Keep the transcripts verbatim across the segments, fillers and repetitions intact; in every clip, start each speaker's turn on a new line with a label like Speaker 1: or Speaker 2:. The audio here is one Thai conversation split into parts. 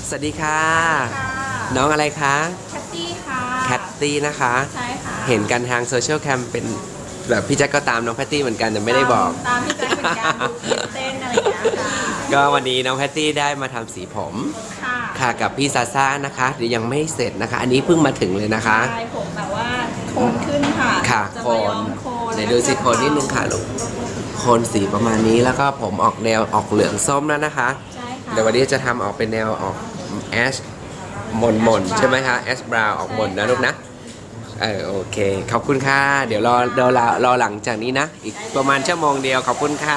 Speaker 1: สวัสดีค่ะน้องอะไรคะ
Speaker 2: แคตตี้ค่ะ
Speaker 1: แคตตี้นะคะ
Speaker 2: ใช่ค่ะ
Speaker 1: เห็นกันทางโซเชียลแคมเป็นแบบพี่แจ็คก็ตามน้องแพตตี้เหมือนกันแต่ไม่ได้บอก
Speaker 2: ตามพี่แจ็คเหมือนกันดูคลิปเต้นอะไรอย่างเงี้ยค่ะ
Speaker 1: ก็วันนี้น้องแพตตี้ได้มาทำสีผม
Speaker 2: ค่ะ
Speaker 1: ค่ะกับพี่ซาซ่านะคะเดี๋ยวยังไม่เสร็จนะคะอันนี้เพิ่งมาถึงเลยนะคะ
Speaker 2: ใช่ผมแบบว่าโคนขึ้นค่ะ
Speaker 1: ค่ะ
Speaker 2: จะ
Speaker 1: โค
Speaker 2: มาย้อน มโคน
Speaker 1: ไหนดูสิโคนนิดนึงค่ะลูกโคนสีประมาณนี้แล้วก็ผมออกแนวออกเหลืองส้มแล้วนะคะ
Speaker 2: ใช่ค่ะ
Speaker 1: เดี๋ยววันนี้จะทำออกเป็นแนวออกแอชมนมนใช่ไหมคะแอชบราวน์ออกมนนะลูกนะเออโอเคขอบคุณค่ะเดี๋ยวรอเดี๋ยวรอรอหลังจากนี้นะอีกประมาณชั่วโมงเดียวขอบคุณค่ะ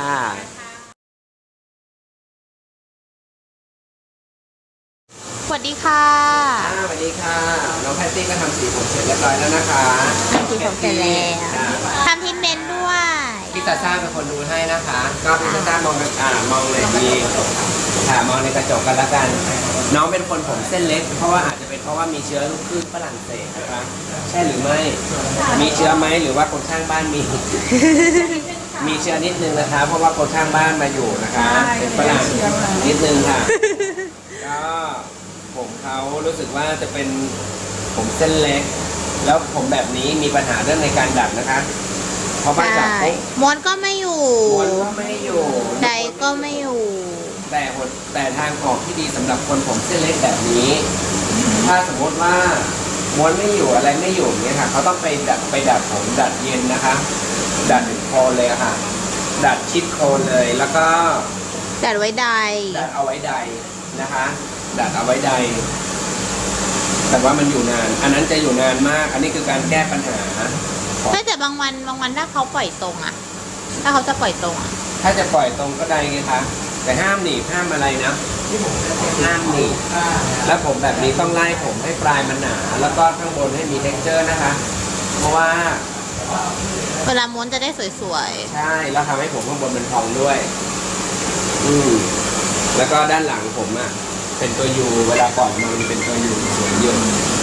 Speaker 2: สวัสดีค่ะ
Speaker 1: สวัสดีค่ะน้องแพตตี้ก็ทำสีผมเสร็จเรียบร้อยแล้วนะคะ
Speaker 2: ทำสีผมเสร็จแล้วทำทิมเมนด้วย
Speaker 1: พี่ซาซ่าเป็นคนดูให้นะคะก็พี่ซาซ่ามองอ่ามองเลยดีค่ะมองในกระจกกันแล้วกันน้องเป็นคนผมเส้นเล็กเพราะว่าอาจจะเป็นเพราะว่ามีเชื้อลูกครึ่งฝรั่งเศสนะคะใช่หรือไม่มีเชื้อไหมหรือว่าคนข้างบ้านมีมีเชื้อนิดนึงนะคะเพราะว่าคนข้างบ้านมาอยู่นะคะเป็นฝรั่งนิดนึงค่ะก็ผมเขารู้สึกว่าจะเป็นผมเส้นเล็กแล้วผมแบบนี้มีปัญหาเรื่องในการดัดนะคะเพราะว่าจับปุ๊บ
Speaker 2: ม้วนก็ไม่อยู่
Speaker 1: ม้วนก็ไม่อยู่
Speaker 2: ใดก็ไม่อยู่
Speaker 1: แต่แต่ทางออกที่ดีสำหรับคนผมเส้นเล็กแบบนี้ ถ้าสมมติว่าม้วนไม่อยู่อะไรไม่อยู่เนี่ยค่ะเขาต้องไปดัดไปดัดผมดัดเย็นนะคะดัดถึงโคนเลยค่ะดัดชิดโคนเลยแล้วก็
Speaker 2: ดัดไว้ใด
Speaker 1: ดัดเอาไว้ใดนะคะดัดเอาไว้ใดแต่ว่ามันอยู่นานอันนั้นจะอยู่นานมากอันนี้คือการแก้ปัญหา
Speaker 2: แต่บางวันบางวันถ้าเขาปล่อยตรงอะถ้าเขาจะปล่อยตรงอะ
Speaker 1: ถ้าจะปล่อยตรงก็ได้ไงคะแต่ห้ามหนีบห้ามอะไรนะห้ามหนีบแล้วผมแบบนี้ต้องไล่ผมให้ปลายมันหนาแล้วก็ข้างบนให้มี texture นะคะเพราะว่า
Speaker 2: เวลาม้วนจะได้สวย
Speaker 1: ๆใช่แล้วทำให้ผมข้างบนมันพองด้วยอืมแล้วก็ด้านหลังผมอ่ะเป็นตัวยูเวลาปล่อยมันเป็นตัวยูสวยเยอะ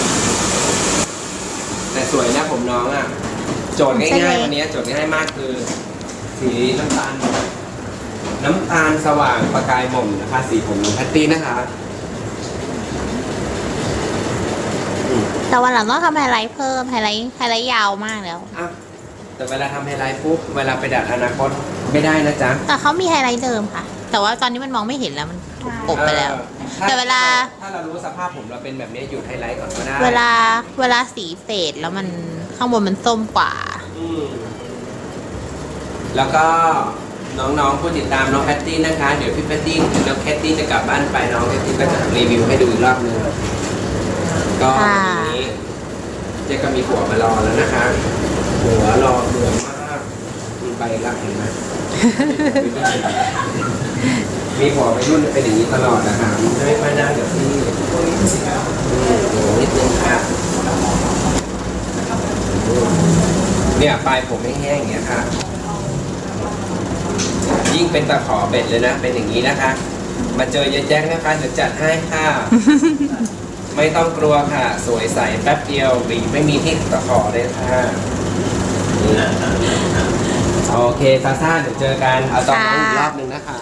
Speaker 1: แต่สวยนะผมน้องอ่ะโจทย์ง่ายๆวันนี้โจทย์ง่ายมากคือสีน้ำตาลน้ำตาลสว่างประกายหม่นนะคะสีผมของแพตตี้นะคะ
Speaker 2: แต่วันหลังต้องทำไฮไลท์เพิ่มไฮไลท์ไฮไลท์ยาวมากแล้ว
Speaker 1: แต่เวลาทำไฮไลท์ปุ๊บเวลาไปดัดอนาคตไม่ได้นะจ๊ะ
Speaker 2: แต่เขามีไฮไลท์เดิมค่ะแต่ว่าตอนนี้มันมองไม่เห็นแล้วมันถูกอบไปแล้วแต่เวลา
Speaker 1: ถ้าเรารู้สภาพผมเราเป็นแบบนี้อยู่ไฮไลท์ก่อนก็ได้
Speaker 2: เวลาเวลาสีเฟดแล้วมันข้างบนมันส้มกว่า
Speaker 1: แล้วก็น้องๆผู้ติดตามน้องแพตตี้นะคะเดี๋ยวพี่แพตตี้น้องแพตตี้จะกลับบ้านไปน้องแพตตี้ก็จะรีวิวให้ดูอีกรอบนึงก็วันนี้เจ๊ก็มีหัวมารอแล้วนะคะหัวรอเหลืองมากมีใบรักเห็นไหมมีหัวไปรุ่นเป็นอย่างนี้ตลอดนะคะไม่ค่อยน่าเดี๋ยวพี่โอ้นิดนึงค่ะเนี่ยปลายผมไม่แห้งอย่างเงี้ยค่ะยิ่งเป็นตะขอเบ็ดเลยนะเป็นอย่างนี้นะคะมาเจอเยอะแจ๊กนะคะเดี๋ยวจัดให้ค่ะไม่ต้องกลัวค่ะสวยใสแป๊บเดียวบีไม่มีที่ตะขอเลยค่ะโอเคซาซ่าเดี๋ยวเจอกันเอาตอนนี้อีกรอบหนึ่งนะคะ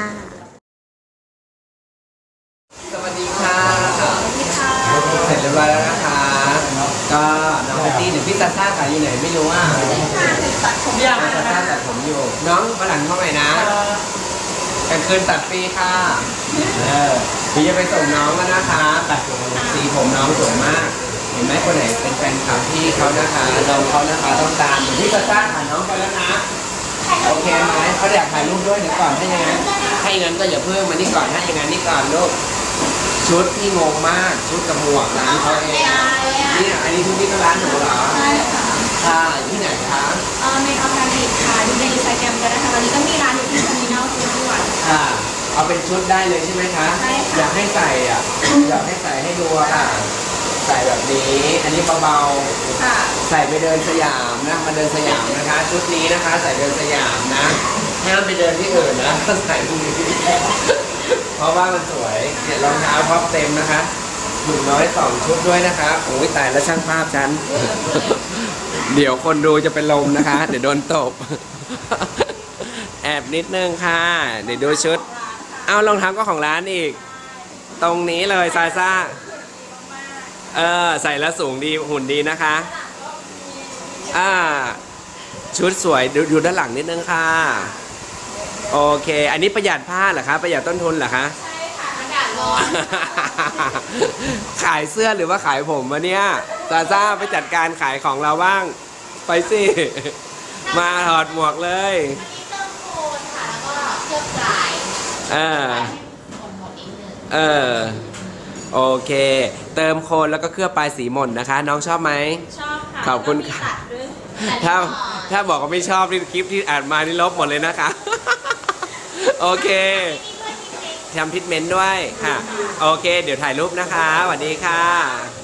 Speaker 1: สวัสดีค่ะเสร็จเรียบร้อยแล้วนะคะก็น้องแพตตี้หรือพี่ซาซ่าค่ะอยู่ไหนไม่รู้ว่า
Speaker 2: ตัดผมยาว
Speaker 1: ซาซ่าตัดผมอยู่น้องมาหลังเข้าใหม่นะกลางคืนตัดฟรีค่ะเออพี่จะไปส่งน้องแล้วนะคะตัดสีผมน้องสวยมากเห็นไหมคนไหนเป็นแฟนคลับพี่เขานะคะน้องเขานะคะต้องตามพี่ซาซ่าถ่ายน้องไปแล้วนะโอเคไหมเขาอยากถ่ายรูปด้วยเดี๋ยวก่อนให้ยังไงให้งั้นก็อย่าเพิ่งมานี่ก่อนให้ยังไงนี่ก่อนลูกชุดที่งงมากชุดกับหมวกร้านเขาเองนี่อันนี้ชุดที่ก็ร้านหนูเหรอ
Speaker 2: ใช่ค่ะ
Speaker 1: ค่ะที่ไหนคะ
Speaker 2: เออเมคอัพแฟนดิค่ะดูในอินสตาแกรมกันนะคะตอนนี้ก็มีร้านอยู่ที่เทอร์มินอลฟูดด้วย
Speaker 1: ค่ะเอาเป็นชุดได้เลยใช่ไหมคะ
Speaker 2: ใช่ค่ะ
Speaker 1: อยากให้ใส่อ่ะอยากให้ใส่ให้ดูค่ะใส่แบบนี้อันนี้เบาๆใส่ไปเดินสยามนะมาเดินสยามนะคะชุดนี้นะคะใส่เดินสยามนะห้ามไปเดินที่อื่นนะใส่พวกนี้เพราะว่ามันสวยเนี่ยรองเท้าท็อปเต็มนะคะหนุ่มน้อยสองชุดด้วยนะคะโอ้ยตายแล้วช่างภาพฉันเดี๋ยวคนดูจะเป็นลมนะคะเดี๋ยวโดนตบแอบนิดนึงค่ะเดี๋ยวดูชุดเอารองเท้าก็ของร้านอีกตรงนี้เลยซาซ่าเออใส่แล้วสูงดีหุ่นดีนะคะอ่าชุดสวยดูดูด้านหลังนิดนึงค่ะโอเคอันนี้ประหยัดผ้าเหรอคะประหยัดต้นทุนเหรอคะ
Speaker 2: ใช่ค่ะอากาศร้อน
Speaker 1: ขายเสื้อหรือว่าขายผมวะเนี่ยซาซ่าไปจัดการขายของเราบ้างไปสิมาถอดหมวกเลย
Speaker 2: อันนี้เติมโคนค่ะแล้วก็เคลือบลาย
Speaker 1: เออ
Speaker 2: หมดหมดอีกหนึ่ง
Speaker 1: เออโอเค เติมโคนแล้วก็เคลือบปลายสีหม่นนะคะ น้องชอบไหม
Speaker 2: ชอบค่ะ
Speaker 1: ขอบคุณ
Speaker 2: แล้วมี
Speaker 1: ค่ะ
Speaker 2: ตัดด้วย
Speaker 1: ถ้า
Speaker 2: ตัดก่อน
Speaker 1: ถ้าบอกว่าไม่ชอบนี่คลิปที่อ่านมานี่ลบหมดเลยนะคะ โอเคทำพิทเมนต์ด้วยค่ะ โอเค เดี๋ยวถ่ายรูปนะคะสวัสดีค่ะ